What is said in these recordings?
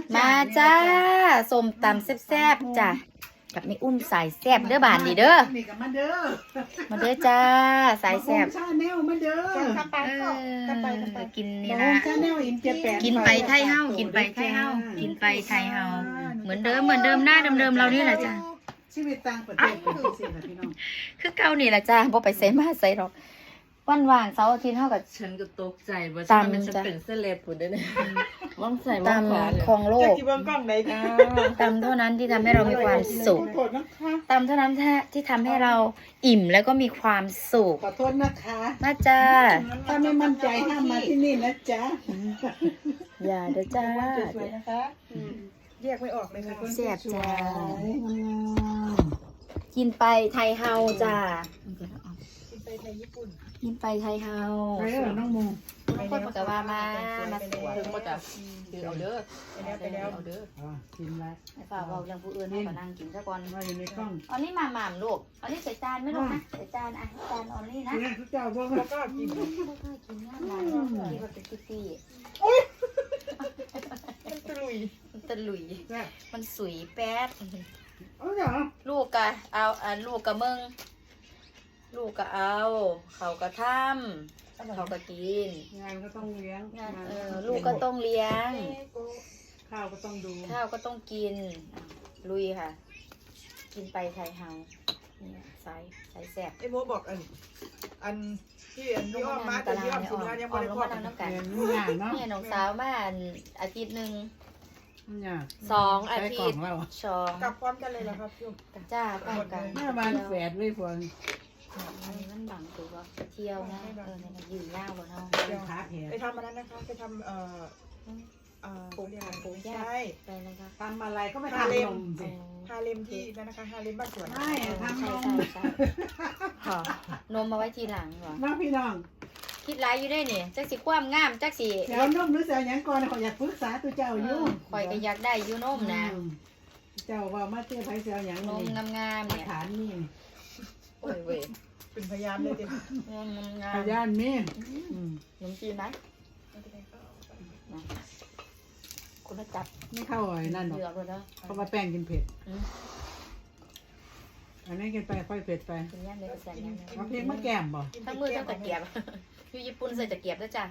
มาจ้าส้มตำแซ่บๆจ้ะกับนี่อุ้มสายแซ่บเด้อบานดีเด้อนี่กับมาเด้อมาเด้อจ้าสายแซ่บชาแนลมาเด้อกินนี่น้อนะงชาแนลอินเจแปนกินไปไทยเฮากินไปไทยเฮากินไปไทยเฮาเหมือนเดิมหน้าเดิมเรานี่แหละจ้ะชีวิตต่างประเทศเป็นสิค่ะพี่น้องคือเก่านี่แหละจ้าบ่ไปใส่มาใส่หรอกวันว่างเสาร์อาทิตย์เฮากับฉันก็ตกใจว่าตามมันจะจ้ะเป็นเส้นเล็บผุดได้เนี่ยว่างใส่ตว่างขวาเลยำของโลกที่เบิ้งกล้องไหนคะตำเท่านั้นที่ทำให้เรามีความสุขขอโทษนะคะตำเท่านั้นที่ทำให้เราอิ่มแล้วก็มีความสุขขอโทษนะคะมาจ้าถ้าไม่มั่นใจห้ามมาที่นี่นะจ๊ะอย่าเด้อจ้าสวยนะคะแยกไม่ออกเลยค่ะแซ่บจ้างามกินไปไทยเฮาจ้ากินไปไทยญี่ปุ่นกินไปไทยเฮาไปแล้วน้องโมทุกคนบอกว่ามาสวยถึงมาจากคือเอาเด้อไปแล้วเอาเด้อกินแล้วให้ฝากเราเรื่องผู้อื่นให้ก็นั่งกินซะก่อนมาอยู่ในกล้องอันนี้หม่ำลูกอันนี้ใส่จานไหม่ลูกนะใส่จานอ่ะจานออนนี่นะเนี่ยทุกเจ้าพวกเราก็กินไม่ค่อยกินง่ายหลายที่ว่าเป็นซี่ตะลุยมันตะหลุยแซ่บมันสวยแป๊ดเอาเหรอลูกกะเอาลูกกะมึงลูกกะเอาเขากะทำเขากะกินงานก็ต้องเลี้ยงลูกก็ต้องเลี้ยงข้าวก็ต้องดูข้าวก็ต้องกินลุยค่ะ กินไปไทยเฮานี่สายแซ่บไอ้โมบอกอันที่อันที่อ้อมมาแต่ที่อ้อมถึงแล้วยังออไม่มได้ลงพอมาดนั่งน้ำกันเรียนไม่ยากเนาะเนี่ยน้องสาวมาอาทิตย์หนึ่งไม่ยาก 2 อาใช้ทิกล่อตงย์เราชองกลับพร้อมกันเลยเหรอครับพี่อ้อมจ้าป้องกันหน้าบ้านแฝดด้วยพวงอันนี้มันบังตัวไปเที่ยวนะเนี่ยยืนยาวกว่าเนาะเป็นขาแผลไปทำอันนั้นนะคะไปทำปลูกเรียกอะไรปลูกยาใช่ไปนะคะทำอะไรก็ไม่ทำนมสิฮาเลมที่นั่นนะคะฮาเลมบ้านสวนไม่ทำนใช่มใช่นมมาไว้ทีหลังเหรอน้องพี่น้องคิดไรอยู่ได้เนี่ยจักสิความงามจักสิเดี๋ยวนมหรือเสียยังก่อนขออยากปรึกษาตัวเจ้าอยู่คอยก็อยากได้อยู่นมนะเจ้าว่ามาเตี้ยไผเสียยังนมงามๆมาเนี่ยฐานนี่โอ้ยเว้ยเป็นพยานเลยเด็กนมงาพมยานมีขนมจีนไหมคุณจับไม่เข้าไอ้นั่นหรอกเหลือเลยนะเพราะว่าแป้งกินเผ็ดอันนี้กินไปค่อยเผ็ดไปกินย่างเลยกระแสย่างเอาเพลงมาแก้มบ่ทั้งมือทั้งตะเกียบอยู่ญี่ปุ่นใส่ตะเกียบด้วยจ้ะ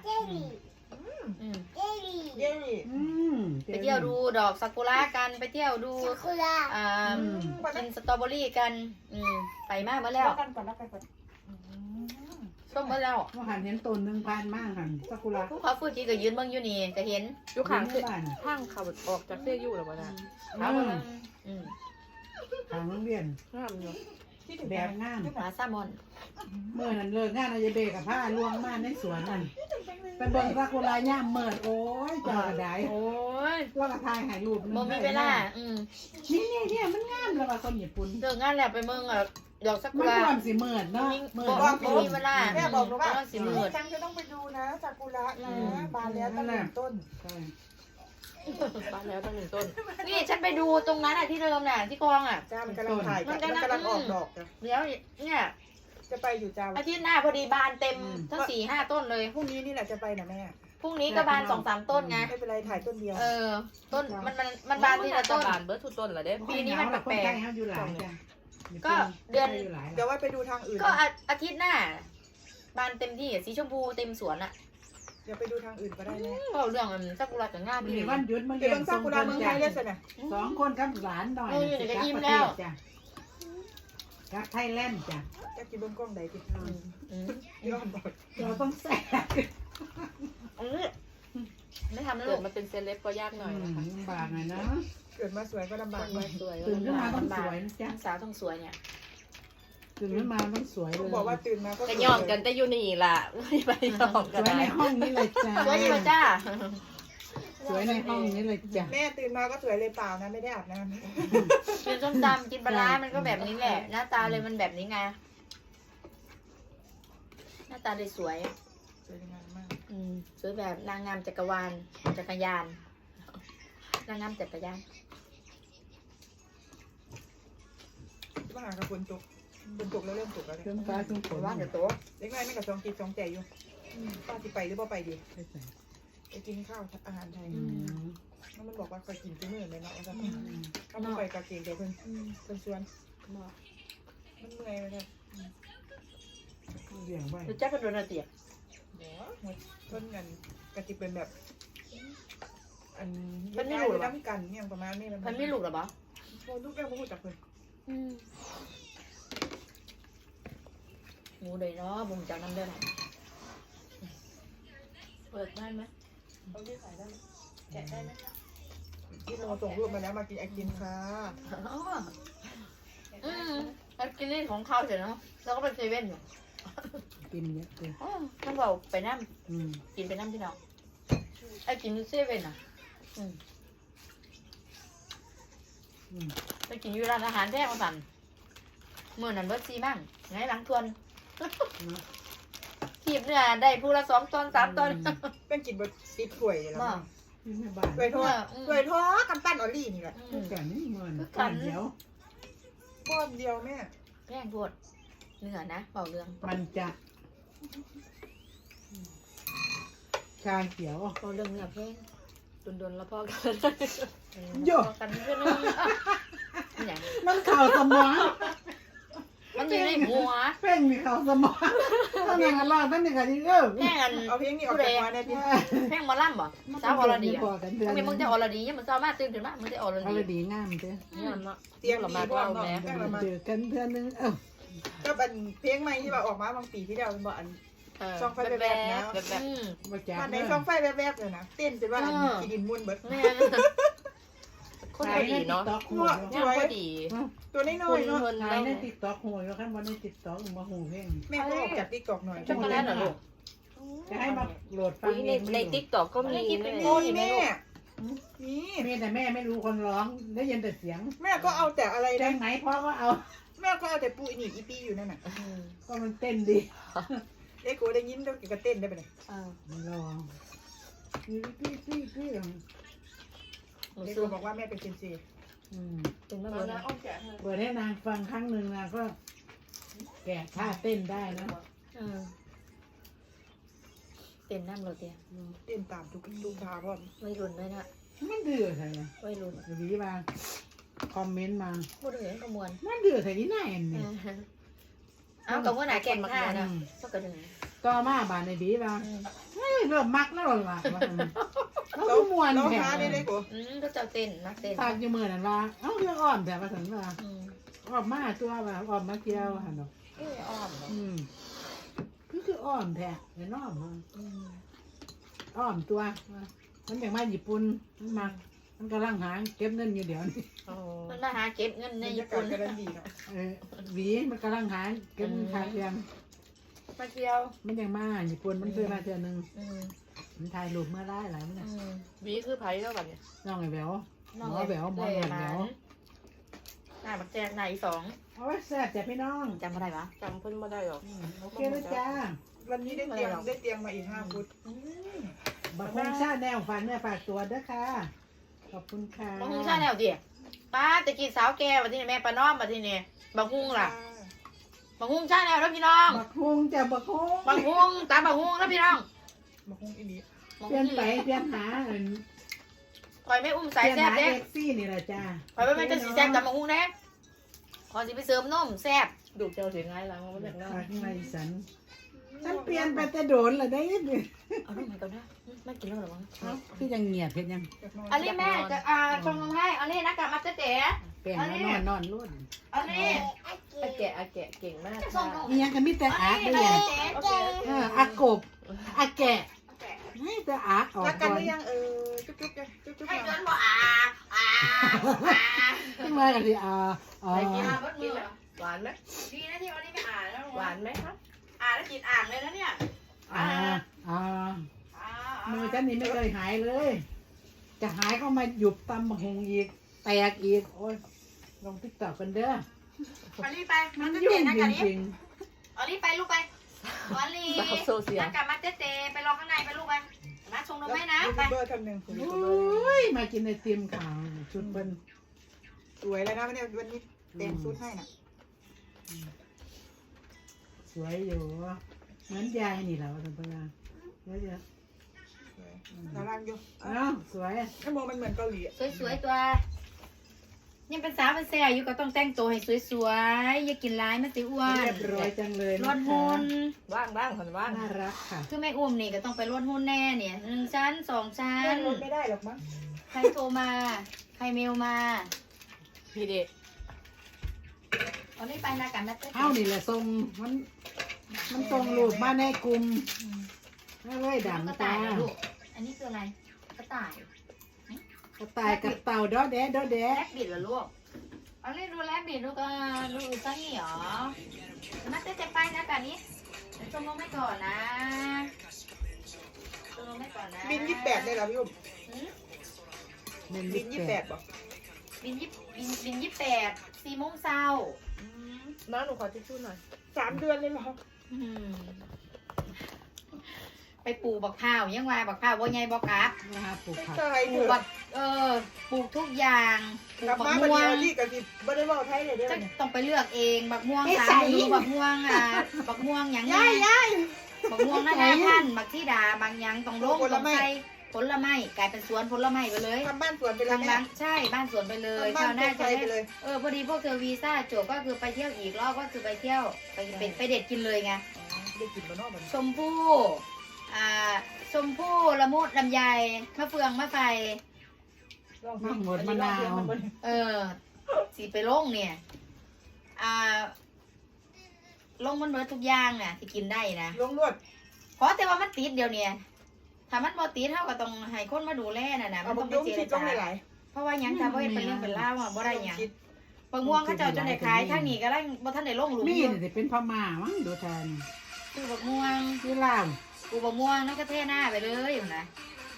เย้ไปเที่ยวดูดอกซากุระกันไปเที่ยวดูกินสตรอเบอรี่กันไปมากมาแล้วกันก่อนแล้วกันก่อนส้มมาแล้วว่าหันเห็นต้นหนึ่งพันมากหันซากุระผู้เขาฟูจิก็ยืนเบิ่งอยู่นี่ก็เห็นอยู่ข้างที่บ้านข้างเขาออกจากเสื้ออยู่หรือเปล่านะทางอืมโรงเรียนห้ามอยู่ที่ถึงแบบงานหมาซามอนเมื่อนั้นเลิกงานอาจจะเบกับผ้าลวงมาในสวนนั่นไปเบิ่งซากุระย่ามเมิดโอ้ยเจ้ากระไดโอ้ยแล้วก็ถ่ายถ่ายรูปบ่มีเวลานี่มันงามแล้วว่าคนญี่ปุ่นเลิกงานแล้วไปเมืองดอกซากุมันระความสิเมิดเนาะเมิดบ่มีเวลาแม่บอกหนูว่าสิมืดจังจะต้องไปดูนะซากุระนะบานแล้วตั้ง1 ต้นใช่บ้านแล้วตั้ง1 ต้นนี่ฉันไปดูตรงนั้นที่เดิมน่ะที่กองอ่ะจ้ามันกำลังถ่ายมันกำลังออกดอกจ้ะเดี๋ยวเนี่ยจะไปอยู่จ้าอาทิตย์หน้าพอดีบานเต็มทั้ง4-5 ต้นเลยพรุ่งนี้นี่แหละจะไปนะแม่พรุ่งนี้ก็บาน2-3 ต้นไงไม่เป็นไรถ่ายต้นเดียวต้นมันบานทีละต้นบานเบิร์ดทุกต้นเหรอเด้ปีนี้มันแปลกๆอยู่หลายจ้ะก็เดือนเดี๋ยวว่าไปดูทางอื่นก็อาทิตย์หน้า บานเต็มที่สีชมพูเต็มสวนอ่ะเดี๋ยวไปดูทางอื่นก็ได้แม่เราเรื่องซากุระกับง่ามีพี่วันหยุดมาเดี๋เรียวยนเบิ่งซากุระเมืองไทยเลยสินะ 2 คนกับหลานหน่อยกับไทยแลนด์จ้ะจะกินเบิ่งกล้องใดติย้อนบอกเราต้องแซ่ไม่ทำแล้วเกิลูดกมาเป็นเซเลบก็ยากหน่อยนะคะลำบากหน่อยนะเกิดมาสวยก็ลำบากมาสวยตื่นขึ้นมาต้องสวยนะจ๊ะสาวต้องสวยเนี่ยตื่นขึ้นมาต้องสวยเลต้อย งบอกว่าตื่นมาก็ก็ย่อมกันแต่อยู่นี่ล่ะไม่ไปย่อมสกันวยในห้องนี้เลยจ้ะสวยอยู่จ้าสวยในห้องนี้เลยจ้ะแม่ตื่นมาก็สวยเลยเปล่านะไม่ได้อาบน้กินส้มตำกินปลาร้ามันก็แบบนี้แหละ หน้าตาเลยมันแบบนี้ไงหน้าตาเลยสวยำสวยงามมากสวยแบบนางงามจักรวาลจักรยานนางงามจักรยานว่าหากระฝนตกแล้วเริ่มตกแล้วเครื่องฟ้าเครื่องฝนว่าเดี๋ยวโตเล็กน้อยไม่กับสองจิตสองใจอยู่ป้าที่ไปหรือเปล่าไปดีไปกินข้าวอาหารไทยมันบอกว่าคอยกินที่มือเลยเนาะว่าจะก็ไม่ไปกะเกงเดี๋ยวเพิ่นชวนมันเมื่อยเลยครับเลี้ยงไว้รู้จักกันโดนอะไรเตี๋ยเดี๋ยวเพิ่นกันกะติเป็นแบบอันน้ำกันเนี่ยประมาณนี้มันไม่หลุดหรอปะโอ้ลูกแก้วพูดจากเพิ่นหมูเลยเนาะบุญจากน้ำเด้อเปิดได้ไหมเอาที่ใส่ได้แกะได้ไหมที่เราส่งรูปมาแล้วมากินไอติมค่ะแล้วกินนี่ของข้าวเสร็จเนาะแล้วก็ไปเซเว่นอยู่กินเยอะเลยต้องบอกไปน้อืมำกินไปน้ำที่น้องไอ้กินเซเว่นอ่ะไปกินอยู่ร้านอาหารแท้มาสั่นเมื่อนั้นเบิร์ดซีมั่งไงหลังทวนขีบเนี่ยได้ผู้ละ2 ตอน 3 ตอนเป็นกินบดติดถ้วยแล้วมาที่แม่บ้านถ้วยทอดถ้วยทอดกำปั้นออลลี่นี่แหละทุกกันนี่มันก้อนเดียวก้อนเดียวแม่แพงโพดเนื้อนะเบาเรื่องมันจะชาเขียวเบาเรื่องเนื้อแพงโดนๆแล้วพ่อกันโย่พอกันเพื่อนนี่อย่างมันเข่าสมองมันอยู่ในหัวเพ่งมีเข่าสมองต้องอย่างนั้นล่ะตั้งแต่กันยังเออแพงกันเอาเพลงนี้ออกจากหัวได้ดิแพงหมอลำบ่สาวอรดีพอกันเดือนมึงจะอรดียังมันเศร้ามากตื่นขึ้นมามึงจะอรเอาดีเลยดีงามเด้อนี่มันเนาะเตรียมดีพร้อมเนาะแม่ละมาเจอกันเดือนนึงก็เป็นเพลงใหม่ที่ว่าออกมาบางปีที่แล้วเป็นบ่อัน ช่องไฟแบบๆนะแบบมาจากมันในช่องไฟแวบๆเลยนะเต้นจนว่ากินดินมุนเบิดแม่คนดีเนาะหัวย่างพอดีตัวน้อยๆเนาะหายในติ๊กต็อกหัวแล้วครับวันในติ๊กต็อกมาหูเพ่งแม่ก็ออกจากติ๊กตอกหน่อยช็อกโกแลตเหรอลูกจะให้มาโหลดฟังในติ๊กต็อกก็มีนี่เลยนี่แม่นี่แม่แต่แม่ไม่รู้คนร้องได้ยินแต่เสียงแม่ก็เอาแต่อะไรแจ้นะงไหนพ่อก็เอาแม่ก็เอาแต่ปูอีนี่อีปีอยู่นั่นน่ะก็มันเต้นดีเอ้กูได้ยินแล้วก็เต้นได้ไปเลยลองพี่เอ้กูบอกว่าแม่เป็นเซนซีถึงไม่เอารู้นะนะอ้อมแกะให้เปิดให้นางฟังครั้งหนึ่งนางก็แกะท่าเต้นได้นะเต้นน้ำโรเตียเต้นตามทุกทาพ่อไม่รุนเลยนะมันดื้อใช่ไหมไม่รุนวีมาคอมเมนต์มาพูดถึงขมวนมันดื้อใส่ที่ไหนเนี่ยเอากับว่าหนาแก่งท่านะก็กระดึงต่อมาบานในบีมาเริ่มมักแล้วล่ะแล้วมวนน้องแถท้าได้เลยกูก็จะเต้นนักเต้นฝากอยู่มือนั่นว่าเอ้าเรื่องอ่อนแต่ว่าถึงว่าออกมาตัวว่าออกมาเกี่ยวหันดอกอ้อมคืออ้อมแท้เห็นอ้อมอ้อมตัวมันอย่างมาญี่ปุ่นมันกำลังหาเก็บเงินอยู่เดี๋ยวนี้มันมาหาเก็บเงินในในญี่ญี่ปุ่ปุ่นนก็ได้ดีเนาะหวีมันกำลังหาเก็บเงินขาเรียนมาเที่ยวมันยังมาญี่ปุ่นมันเคยมาเทื่อนึงมันถ่ายรูปเมื่อไรหลายมันวีคือไผ่แล้วแบบเนี้ยน้องไอ้แหววน้องหมอแหววหมอแหววหน้าบักแจกหน้าอี2 เอาไว้แซ่บจ้ะพี่น้องจำอะไรวะจำเพิ่นมาได้หรอโอเคนะจ้าวันนี้ได้เตียงมาอีก5 ฟุตบักคงชาแนวฝากเนื้อฝากตัวเด้อค่ะขอบคุณค่ะบักฮุงชาแนวดิป้าตะกี้สาวแก่มาที่นี่แม่ป้าน้อมมาที่นี่บักฮุงล่ะบักฮุงชาแนวแล้วพี่น้องบักคงจ้ะบักคงบักฮุงตามบักฮุงแล้วพี่น้องมาคงอีนี้เปลี่ยนไปเปลี่ยนหาคอยไม่อุ้มเปสายลี่ยนแซ่หาบเด้เอ็กซี่นี่แหละจ้าคอยไม่เป็นจะสีแซ่บตามบักฮุงแน่คอยสิไปเสริมนมแซ่บดูเจ้าเสียงไงล่ะมันแบบนั้นฝากในสันฉันเปลี่ยนไปแต่โดนเลยได้ยินไหมเอาลูกมาก่อนนะไม่กินแล้วหรอมั้งคือยังเงียบเพ็ดยังอันนี้แม่จะชงนมให้อันนี้นะกลับมาเจ๊เปลี่ยนนอนรุ่นอันนี้อาแกะเก่งมากส่งนมนี่ยังก็มีแต่อาร์ตได้ยังอากบอาแกะไม่แต่อาร์ตออกรักกันก่อหนรือยังจุ๊บจุ๊บให้ๆเดินบ่อ่าขึ้นมากันสิไปกินเบิดมือหวานไหมดีนะที่วันนี้ไม่อ่านแล้วหวานไหมครับอ่านแล้วกินอ่างเลยนะเนี่ยมือฉันนี่ไม่เคยหายเลย จะหายก็มาหยุบตำหงอีกแตกอีกโอ้ยลงติ๊กต็อกกันเด้ออันนี้ไปมัมัน นจะยุ่เตะงนะจกันนี้ริงอันนี้ไปลูกไปอันนี้สาวโซเชียลนักกลับมาเตะไปรอข้างในไปลูกไปมาชงนมให้นะยูไปทูบเบอร์ท่านหนึ่งๆโอ้ยมากินไอติมขาวชุดเป็นสวยแล้วนะวันนี้เต็มชุดให้น่ะสวยอยู่เหมือนยายนี่แหละว่าทำไมเดี๋ยวสวยน่ารักอยู่อ้าวสวยไอ้โมมันเหมือนเกาหลีสวยๆตัวยังเป็นสาวเป็นแซ่อยู่ก็ต้องแต่งตัวให้สวยๆอย่ากินร้ายมันสิอ้วนเรียบร้อยจังเลยลดหุ่นว่างคนว่างน่ารักค่ะคือแม่อ้วมนี่ก็ต้องไปลดหุ่นแน่เนี่ย1 ชั้น 2 ชั้เล่นนรถไม่ได้หรอกมั้งใครโทรมาใครเมลมาพี่เด็กเอานี่ไปนะกันนะเต้เอ้านี่แหละทรงมันทรงรูปมาในกลุ่มไม่เว้ยกระดำต่าตายนะลูกอันนี้คืออะไรกระต่ายกระต่ายกับเต่าดอแดะดอแดะแลบบิดเหรอลูกเอาเล่นดูแลบบิดลูกดูซังนี่หรอมาเต้จะไปนะกันนี้เดี๋ยวชมลงไม่ก่อนนะชมลงไม่ก่อนนะบิน28ได้เหรอพี่อุ้มหืมเป็นบิน 28 28ป่ะบิน28 4 โมงเช้าน้าหนูขอทิชชู่หน่อย 3 เดือนเลยเหรออืมไปปลูกบักพร้าวยังว่าบักพร้าวบ่ใหญ่บ่กลับนะคะปลูกผักใช่ปเถลูกอะบักปลูกทุกอย่างปลูกลักบบักมาบันม่วเดียงวนี่กับที่ไม่ได้บอกไทยเลยเด้อจะเนี่ยต้องไปเลือกเองบักม่วงสามฤดูบักม่วงบักม่วงหยังไงบักม่วงนานาพันธุ์บักที่ดาบางหยังต้องลงต้องใส่ผลไม้กลายเป็นสวนผลไม้ไปเลยทำบ้านสวนไปเลยทางแม่บ้านใช่บ้านสวนไปเลยทำบ้าชาน วหน้าปลูกจะไฟได้ไปเลยพอดีพวกเธอวีซ่าจบก็คือไปเที่ยวอีกรอบก็คือไปเที่ยวไปเด็ดกินเลยไงได้กินมานอกมันชมพู่ชมพู่ละมุดลำไยมะเฟืองมะไฟมะหมดมะนาวสีไปลงเนี่ยลงมันเบิดทุกอย่างน่ะที่กินได้นะลงรวดเพราะแต่ว่ามันติดเดียวเนี่ยถ้ามันบ่ติดเท่าก็ต้องให้คนมาดูแลน่ะนะเอามันบต้องกไปยุ่งเจรคิดลงจาหลายเพราะว่าหยังถ้าบ่เฮ็ดเป็นเรื่องเป็นราวอ่ะบ่ได้หยังคิดบางม่วงเขาเจ้าจนได้ขายทางนี้ก็ได้บ่ทันได้ลงหลุมมีอยู่นี่เป็นพม่ามั้งดูแทนคือบักม่วงที่ลาวกูบักม่วงนั่นก็เทหน้าไปเลยอยู่นะ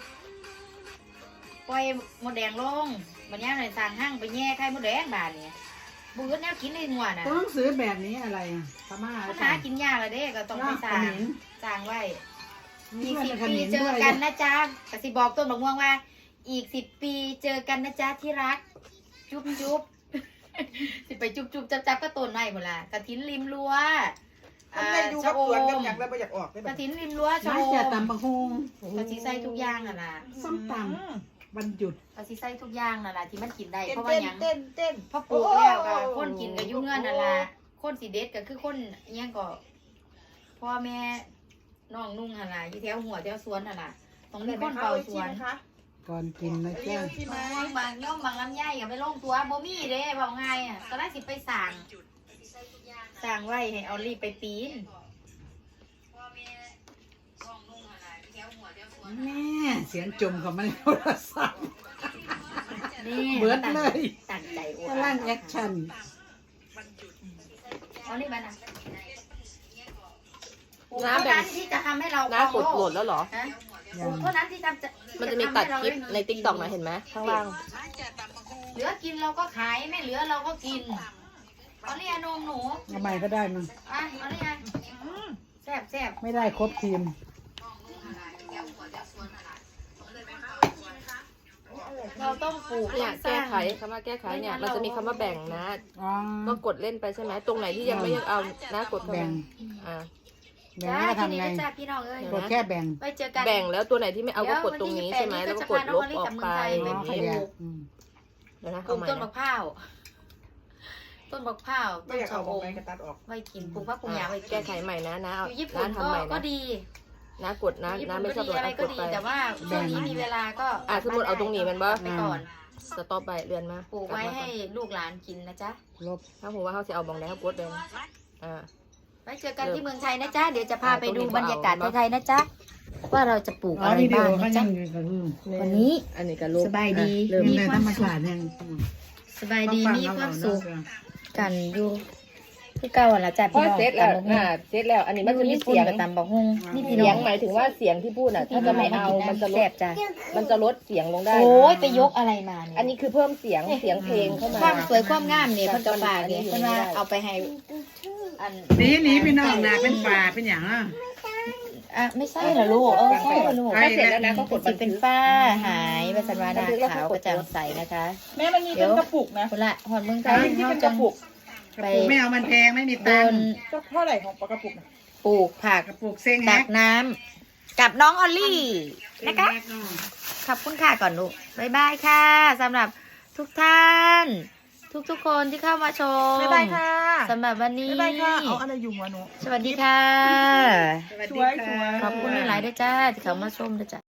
ปล่อยมดแดงลงบัดนี้เลยสั่งห้างไปแย่ไข่มดแดงบานเนี่ยบืดแนวกินในหัวน่ะต้องซื้อแบบนี้อะไรอ่ะพม่าปัญหากินยากเลยเด้ก็ต้องไปสั่งสั่งไว้มีอีกเพื่อน 10 ปีขมิ้นเจด้อวยกันนะจ๊ะกสิบอกต้นบักม่วงว่า อีก10 ปีเจอกันนะจ๊ะที่รัก จุ๊บจุ๊บ สิไปจุ๊บจุ๊บจับก็ต้นไม้หมดละกระถินริมรั้วทำไมดูกับสวนกับอย่างแล้วไม่อยากออกได้กแบระบถินริมรั้วชะน่าโอจะมตำบักฮงกระถิใส่ทุกอย่างน่ะนะส้มตำวันหยุดกระถิใส่ทุกอย่างน่ะนะที่มันกินได้เต้นเพราะว่าเต้นหยังเต้นเต้นพอปลูกแล้วก็คนกินก็ยุ่งเงินนั่นล่ะคนสิเด็ดก็คือคนอิหยังก็พ่อแม่น้องนุ่งหั่นล่ะอยู่แถวหัวแถวสวนหั่นล่ะต้องมีคนเฝ้าสวนคะก่อนกินนะเรีจ๊ะยวที่บามางบางย่อมบางลำไยก็ไปลงตัวบ่มีเด้บอกไงอ่ะตอนแรกสิไปสั่งไว้ให้เอารีบไปปีนแม่เสียงจมของมันในโทรศัพท์นี่เบิดเลยตั้งใจโอ้กำลังแอคชั่นเอานี่มานะน้าเท่าแบ่นั้งนที่จะทำให้เราน้ากดโหลดแล้วเหรอฮะยังเท่านั้นที่มันจะมีตัดคลิปในติ๊กต็อกนะเห็นไหมข้างล่างเหลือกินเราก็ขายไม่เหลือเราก็กินเอาเนี่ยนมหนูทำไมก็ได้มั้งอ่ะเอาเนี่ยแซ่บแซ่บไม่ได้ครบทีมเราต้องปลูกเนี่ยสร้าแก้งไขคำว่าแก้ไขเนี่ยมันจะมีคำว่าแบ่งนะอ๋อก็กดเล่นไปใช่ไหมตรงไหนที่ยังไม่เอานะกดเข้าแบ่มาง อ่าแบ่งจ้าแล้วก็ที่ทำนี่ไงก็จ้าพี่น้องเอ้ยกดแค่แบ่งไปเจอกันแบ่งแล้วตัวไหนที่ไม่เอาก็กดตรงนี้ใช่ไหมแล้วก็กดลบออกไปอ๋แบอบ ขนี้ยับอืมเดี๋ยวนะปลูเอากใหม่ต้นมะนะพร้าวต้นมะพร้าวไม่ต้นอยากชะเอาอบอกมไปกระตัดออกไว้กินปลูกผักปลูกหญ้าไว้กิแก้นไขใหม่นะนะเอาอยู่ญี่นะปุ่นทำใหม่ก็นะดีนะกดนะญี่นะปุ่นไม่ก็ชอบดีกดอะไรนะก็กดดีไปแต่ว่าช่วงนี้มีเวลาก็สมมติเอาตรงนี้มันบ่ไปก่อนสต็อปไปเรือนมาปลูกไว้ให้ลูกหลานกินนะจ๊ะลบถ้าผมว่าเขาจะเอาบองแดงเขากดเลยอ่าไว้เจอกันที่เมืองไทยนะจ๊ะเดี๋ยวจะพาไปดูบรรยากาศไทยๆนะจ๊ะว่าเราจะปลูกอะไรบ้างนะจ๊ะวันนี้อันนี้ก็ลบสบายดีเริ่มมีมีในคธรวามรมสุขชาติยังสบายดีมีความสุขกันอยู่คือเก่าละจ้ะพอพี่น้องเสร็จแล้วเสร็จแล้ว อันนี้มันจะมีเสียงกับตำบักฮุงนี่พี่น้เสีอย งงหมายถึงว่าเสียงที่พูดน่ะ ถ้าจะไม่เอามันจะลแซ่ดบจ้ะมันจะลดเสียงลงได้โอ้ยไปยกอะไรมาเนี่ยอันนี้คือเพิ่มเสียงเพลงเข้ามาความสวยความงามเนี่ยเพิ่นก็ฝากเนี่ยเพิ่นว่าเอาไปให้อันหนีพี่น้องนะเป็นป่าเป็นอย่างอ่ะไม่ใช่เหรอลูกใช่เหรอลูกถ้าเสร็จแล้วนะก็กดสิเป็นฝ้าหายไปสันวานาขาวกระจ่างใสนะคะแม่มันมีเป็นกระปุกนะคนละหอนเมืองไทยที่เขาเป็นกจัระงปุกกระปุกไม่เอามันแพงไม่มีตัเดิงนค์ก็เท่าไหร่ของกระปุกนะปลูกผักกระปุกเซ้งตัแฮกกน้กับน้องออลลี่นะคะขอบคุณค่ะก่อนลูกบ๊ายบายค่ะสำหรับทุกท่าน ทุกคนที่เข้ามาชมบ๊ายบายค่ะสำหรับวันนี้บ๊ายบายค่ะเอาอะไรอยู่หัวหนูสวัสดีค่ะสวยขอบคุณหลายๆด้วยจ้าที่เข้ามาชมด้วยจ้า